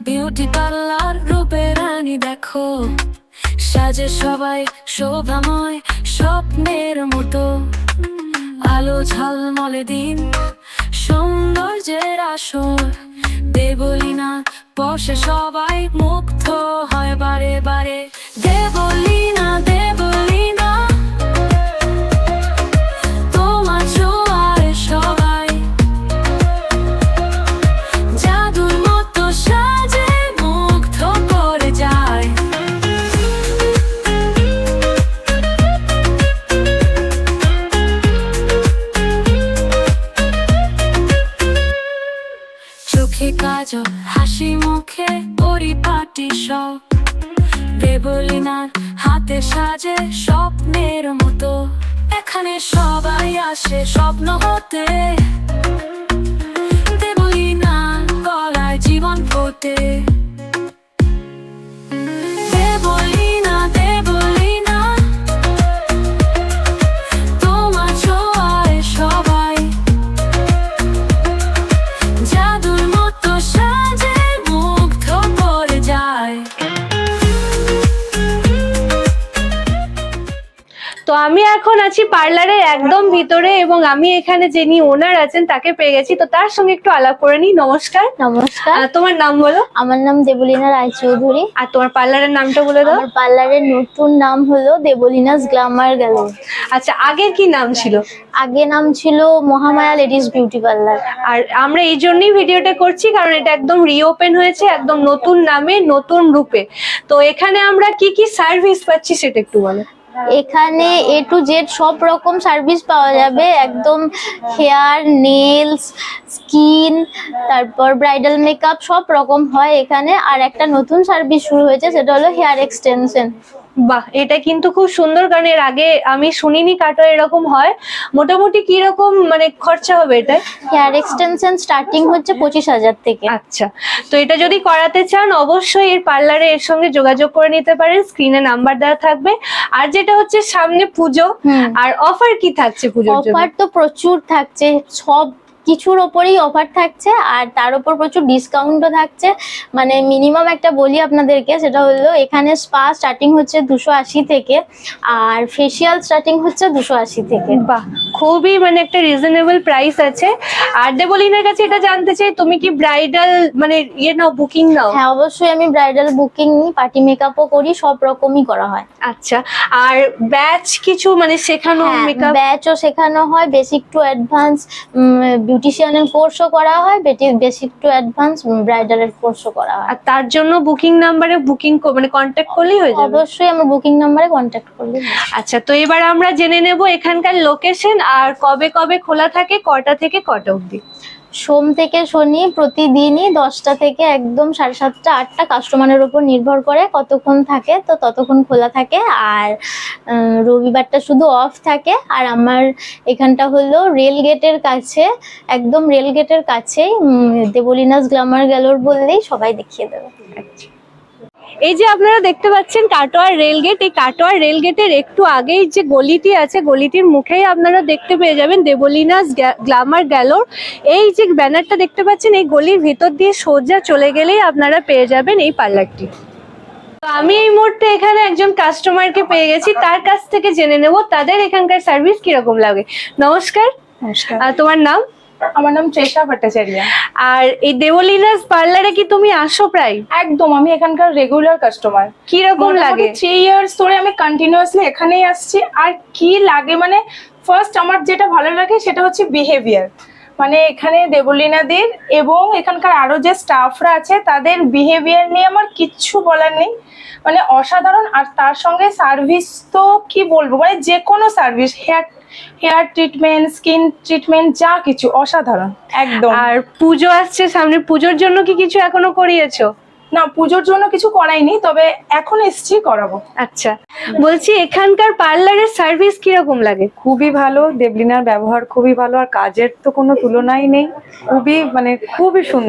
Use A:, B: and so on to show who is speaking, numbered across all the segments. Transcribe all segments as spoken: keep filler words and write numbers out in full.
A: Beauty parlour রূপে রানী দেখো, সাজে সবাই শোভাময় স্বপ্নের মতো। আলো ঝলমলে দিন, সৌন্দর্যের আসর, দেবলীনা বসে সবাই মুগ্ধ হয় বারে বারে। দেবলীনা দেবলীনা তোমার ছোঁয়ায় সবাই জাদুর মতো সাজে মুগ্ধ করে যায়। চোখে কাজল, হাসি মুখে পরিপাটি সব, দেবলীনার হাতে সাজে স্বপ্নের মতো। এখানে সবাই আসে স্বপ্ন হতে, দেবলীনার গলায় জীবন ফোটে। দেবলীনা দেবলীনা তোমার ছোঁয়ায় সবাই জাদুর মতো সাজে মুগ্ধ করে যায়।
B: তো আমি এখন আছি পার্লারের একদম ভিতরে এবং আমি এখানে যিনি ওনার আছেন তাকে পেয়ে গেছি, তো তার সঙ্গে একটু আলাপ করে নিই। নমস্কার।
C: নমস্কার,
B: আহ, তোমার নাম বলো।
C: আমার নাম দেবলীনা রায়চৌধুরী।
B: আর তোমার পার্লারের নামটা বলে দাও।
C: আমার পার্লারের নতুন নাম হলো দেবলীনাস গ্ল্যামার গ্যালারি।
B: আচ্ছা, আগের কি নাম ছিল?
C: আগে নাম ছিল মহামায়া লেডিস বিউটি পার্লার।
B: আর আমরা এই জন্যই ভিডিওটা করছি কারণ এটা একদম রিওপেন হয়েছে, একদম নতুন নামে নতুন রূপে। তো এখানে আমরা কি কি সার্ভিস পাচ্ছি সেটা একটু বলো।
C: এখানে এ টু জেড সব রকম সার্ভিস পাওয়া যাবে, একদম হেয়ার, নেলস, স্কিন, তারপর ব্রাইডাল মেকআপ সব রকম হয় এখানে। আর একটা নতুন সার্ভিস শুরু হয়েছে, সেটা হলো হেয়ার এক্সটেনশন।
B: বাহ, এটা কিন্তু খুব সুন্দর কারণ এর আগে আমি শুনিনি কাটো এরকম হয়। মোটামুটি কি রকম মানে খরচা হবে এটা?
C: হেয়ার এক্সটেনশন স্টার্টিং হচ্ছে পঁচিশ হাজার থেকে।
B: আচ্ছা, তো এটা যদি করাতে চান অবশ্যই এর পার্লারে এর সঙ্গে যোগাযোগ করে নিতে পারেন, স্ক্রিনে নাম্বার দেওয়া থাকবে। আর যেটা হচ্ছে সামনে পুজো, আর অফার কি থাকছে পুজোর জন্য?
C: অফার তো প্রচুর থাকছে, সব কিছুর ওপরেই অফার থাকছে আর তার উপর প্রচুর ডিসকাউন্টও থাকছে। মানে মিনিমাম একটা বলি আপনাদেরকে, সেটা হলো এখানে স্পা স্টার্টিং হচ্ছে দুশো আশি থেকে, আর ফেসিয়াল স্টার্টিং হচ্ছে দুশো আশি থেকে।
B: বাহ, খুবই মানে একটা রিজনেবল প্রাইস আছে। আর দেবলীনার কাছে এটা জানতে চাই, তুমি কি ব্রাইডাল মানে ইয়ে নাও, বুকিং নাও?
C: হ্যাঁ, অবশ্যই আমি ব্রাইডাল বুকিং নিই, পার্টি মেকআপও করি, সব রকমই করা হয়।
B: আচ্ছা, আর ব্যাচ কিছু মানে শেখানো মেকআপ?
C: ব্যাচও শেখানো হয়, বেসিক টু অ্যাডভান্স বিউটিশিয়ানের কোর্সও করা হয়, বেসিক টু অ্যাডভান্স ব্রাইডালের কোর্সও করা হয়।
B: আর তার জন্য বুকিং নাম্বারে বুকিং মানে কন্ট্যাক্ট করলেই হয়ে যাবে?
C: অবশ্যই আমার বুকিং নাম্বারে কন্ট্যাক্ট করলে।
B: আচ্ছা, তো এবার আমরা জেনে নেব এখানকার লোকেশন আর কবে কবে খোলা থাকে, কটা থেকে কটা অবধি।
C: সোম থেকে শনি প্রতিদিনই দশটা থেকে একদম সাড়ে সাতটা আটটা, কাস্টমারের উপর নির্ভর করে কতক্ষণ থাকে, তো ততক্ষণ খোলা থাকে। আর রবিবারটা শুধু অফ থাকে। আর আমার এখানটা হলো রেল গেটের কাছে, একদম রেল গেটের কাছেই, দেবলীনাস গ্ল্যামার গ্যালারি বললেই সবাই দেখিয়ে দেবে।
B: এই যে আপনারা দেখতে পাচ্ছেন কাটোয়ার রেলগেট, এই কাটোয়ার রেলগেটের একটু আগেই যে গলিটি আছে, গলিটির মুখেই আপনারা দেখতে পেয়ে যাবেন দেবলীনাস গ্ল্যামার গ্যালারি। এই যে ব্যানারটা দেখতে পাচ্ছেন, এই গলির ভিতর দিয়ে সোজা চলে গেলেই আপনারা পেয়ে যাবেন এই পার্লারটি। আমি এই মুহূর্তে এখানে একজন কাস্টমারকে পেয়ে গেছি, তার কাছ থেকে জেনে নেব তাদের এখানকার সার্ভিস কিরকম লাগে। নমস্কার।
D: নমস্কার।
B: তোমার নাম?
D: আমার নাম তৃষা ভট্টাচার্য।
B: আর এই দেবলীনাস পার্লারে কি তুমি আসো প্রায়?
D: একদম, আমি এখানকার রেগুলার কাস্টমার।
B: কিরকম লাগে?
D: থ্রি ইয়ার্স ধরে আমি কন্টিনিউয়াসলি এখানেই আসছি। আর কি লাগে মানে, ফার্স্ট আমার যেটা ভালো লাগে সেটা হচ্ছে বিহেভিয়ার। মানে এখানে দেবলীনাদের এবং এখানকার আরো যে স্টাফরা আছে তাদের বিহেভিয়ার নিয়ে আমার কিচ্ছু বলার নেই, মানে অসাধারণ। আর তার সঙ্গে সার্ভিস তো কি বলবো, মানে যে কোনো service, hair hair treatment, skin treatment, যা কিছু অসাধারণ একদম।
B: আর পুজো আসছে সামনে, পুজোর জন্য কি কিছু এখনো করিয়েছো?
D: না, পুজোর জন্য কিছু করাইনি, তবে এখন এসছি করাবো।
B: আচ্ছা, বলছি এখানকার পার্লারের সার্ভিস কিরকম লাগে?
E: খুবই ভালো, দেবলীনার ব্যবহার খুবই ভালো, আর কাজের তো কোনো তুলনাই নেই, খুবই মানে খুবই সুন্দর।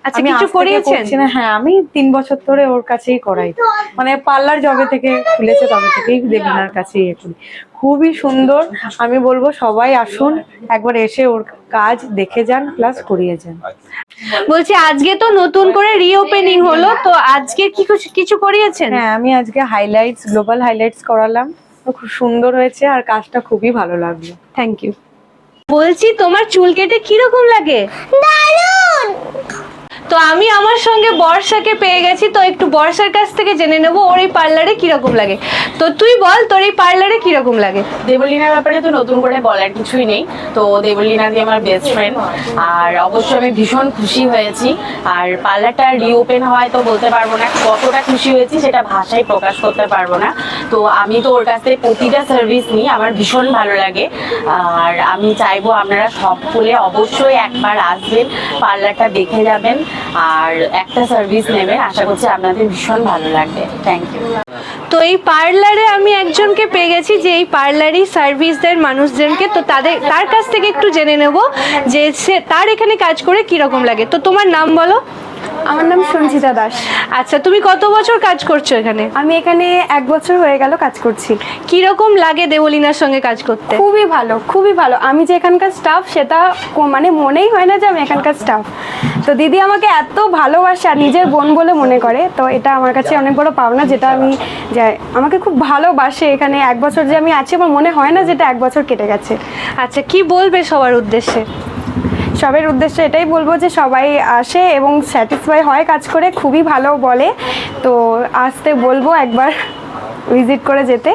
B: আচ্ছা,
E: আমি
B: কিছু
E: আজ থেকে
B: করিয়েছেন?
E: করছি না, হ্যাঁ আমি তিন বছর ধরে ওর কাছেই করাই, মানে পার্লার জবে থেকে খুলেছে তবে থেকেই দেবলিনার কাছেই এ করি। খুবই সুন্দর, আমি বলবো সবাই আসুন, একবার এসে ওর কাজ দেখে যান প্লাস করিয়ে যান।
B: বলছি আজকে তো নতুন করে রিওপেনিং হলো, তো আজকে কি কিছু কিছু করিয়েছেন?
E: হ্যাঁ আমি আজকে হাইলাইটস, গ্লোবাল হাইলাইটস করালাম, তো খুব সুন্দর হয়েছে আর কাজটা খুবই ভালো লাগলো।
B: Thank you. বলছি তোমার চুল কেটে কিরকম লাগে? দারুণ। তো আমি আমার সঙ্গে বর্ষাকে পেয়ে গেছি, তো একটু বর্ষার কাছ থেকে জেনে নেবো ওর এই পার্লারে কিরকম লাগে। তো তুই বল তোর এই পার্লারে কিরকম লাগে?
F: দেবলিনার ব্যাপারে তো নতুন করে বলার কিছুই নেই, তো দেবলিনা দি আমার বেস্ট ফ্রেন্ড, আর অবশ্যই আমি ভীষণ খুশি হয়েছি। আর পার্লারটা রিওপেন হয় তো বলতে পারবো না কতটা খুশি হয়েছি, সেটা ভাষায় প্রকাশ করতে পারবো না। তো আমি তো ওর কাছ থেকে প্রতিটা সার্ভিস নিই, আমার ভীষণ ভালো লাগে। আর আমি চাইবো আপনারা সকলে অবশ্যই একবার আসবেন, পার্লারটা দেখে যাবেন আর একটা সার্ভিস নেবেন, আশা করছি আপনাদের ভীষণ ভালো লাগবে। Thank you.
B: তো এই পার্লারে আমি একজনকে পেয়ে গেছি যে এই পার্লারই সার্ভিস দেন মানুষজনকে, তো তাদের তার কাছ থেকে একটু জেনে নেব যে সে তার এখানে কাজ করে কিরকম লাগে। তো তোমার নাম বলো।
G: আমার নাম সঞ্চিতা দাস।
B: আচ্ছা, তুমি কত বছর কাজ করছো এখানে?
G: আমি এখানে এক বছর হয়ে গেল কাজ করছি।
B: কিরকম লাগে দেবলিনার সঙ্গে কাজ করতে?
G: খুবই ভালো, খুবই ভালো। আমি যে এখানকার স্টাফ সেটা কো- মানে মনেই হয় না যে আমি এখানকার স্টাফ। তো দিদি আমাকে এত ভালোবাসে আর নিজের বোন বলে মনে করে, তো এটা আমার কাছে অনেক বড় পাওনা, যেটা আমি যে আমাকে খুব ভালোবাসে। এখানে এক বছর যে আমি আছি আমার মনে হয় না যেটা এক বছর কেটে গেছে।
B: আচ্ছা, কি বলবে সবার উদ্দেশ্যে?
G: সবার উদ্দেশ্যে এটাই বলবো যে সবাই আসে এবং স্যাটিসফাই হয় কাজ করে, খুবই ভালো বলে। তো আসতে বলবো একবার ভিজিট করে যেতে।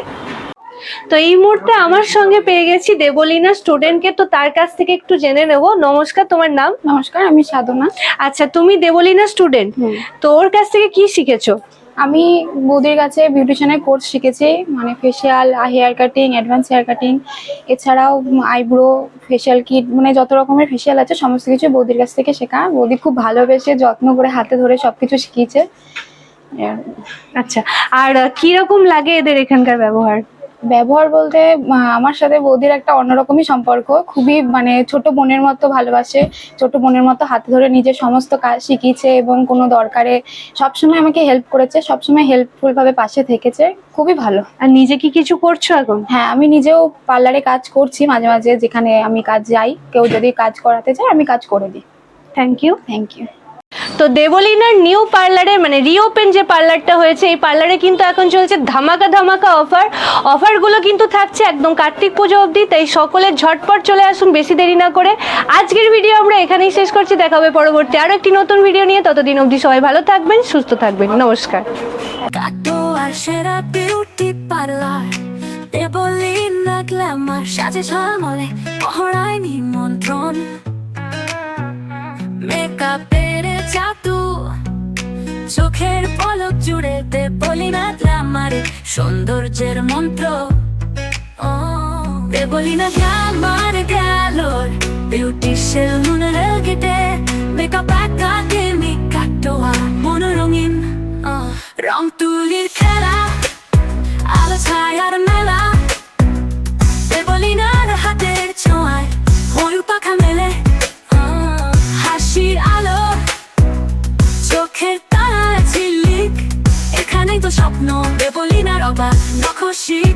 B: তো এই মুহূর্তে আমার সঙ্গে পেয়ে গেছি দেবলিনা স্টুডেন্টকে, তো তার কাছ থেকে একটু জেনে নেব। নমস্কার, তোমার নাম?
H: নমস্কার, আমি সাধনা।
B: আচ্ছা, তুমি দেবলিনা স্টুডেন্ট, তো ওর কাছ থেকে কি শিখেছো?
H: আমি বৌদির কাছে বিউটিশিয়ানের কোর্স শিখেছি, মানে facial, hair cutting, advance hair cutting, এছাড়াও আইব্রো, ফেসিয়াল কিট, মানে যত রকমের ফেসিয়াল আছে সমস্ত কিছু বৌদির কাছ থেকে শেখা। বৌদি খুব ভালোবেসে যত্ন করে হাতে ধরে সবকিছু শিখিয়েছে।
B: আচ্ছা, আর কিরকম লাগে এদের এখানকার ব্যবহার?
H: ব্যবহার বলতে আহ, আমার সাথে বৌদির একটা অন্যরকমই সম্পর্ক, খুবই মানে ছোট বোনের মতো ভালোবাসে, ছোট বোনের মতো হাতে ধরে নিজের সমস্ত কাজ শিখিয়েছে এবং কোনো দরকারে সবসময় আমাকে হেল্প করেছে, সবসময় হেল্পফুল ভাবে পাশে থেকেছে, খুবই ভালো।
B: আর নিজে কি কিছু করছো এখন?
H: হ্যাঁ, আমি নিজেও পার্লারে কাজ করছি মাঝে মাঝে, যেখানে আমি কাজ যাই, কেউ যদি কাজ করাতে চায় আমি কাজ করে দিই।
B: Thank you.
H: Thank you.
B: তো দেবলিনার নিউ পার্লারে মানে রিওপেন যে পার্লারটা হয়েছে, এই পার্লারে কিন্তু এখন চলছে ধামাকা ধামাকা অফার। অফারগুলো কিন্তু থাকছে একদম কার্তিক পুজো অবধি, তাই সকলে ঝটপট চলে আসুন, বেশি দেরি না করে। আজকের ভিডিও আমরা এখানেই শেষ করছি, দেখা হবে পরবর্তী আরো একটি নতুন ভিডিও নিয়ে। ততদিন অবধি সবাই ভালো থাকবেন, সুস্থ থাকবেন, নমস্কার।
A: কাটোয়ার সেরা বিউটি পার্লার দেবলিনা গ্ল্যামার, সাজে ঝলমলে পহরায় নিমন্ত্রণ, মেকআপের জাদু, চোখের পলক জুড়ে দেবলিনা গ্ল্যামারে সৌন্দর্যের মন্ত্র। ও Deblina glamour galore beauty salon রেলগেটে, মেকআপ একাডেমি কাটোয়া মনোরঙিন, রং তুলির খেলা, আলো ছায়ার মেলা, দেবলিনার হাতের ছোঁয়ায় ময়ূর পাখা মেলে, হাসির আলো, চোখের তারায় ঝিলিক, এখানেই তো স্বপ্ন দেবলিনার অবাক নখশিক।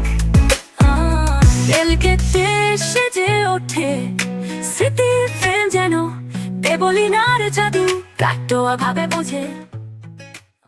A: রেলগেটে সেজে ওঠে স্মৃতির ফ্রেম, যেন দেবলিনার জাদু কাটোয়া ভাবে বোঝে।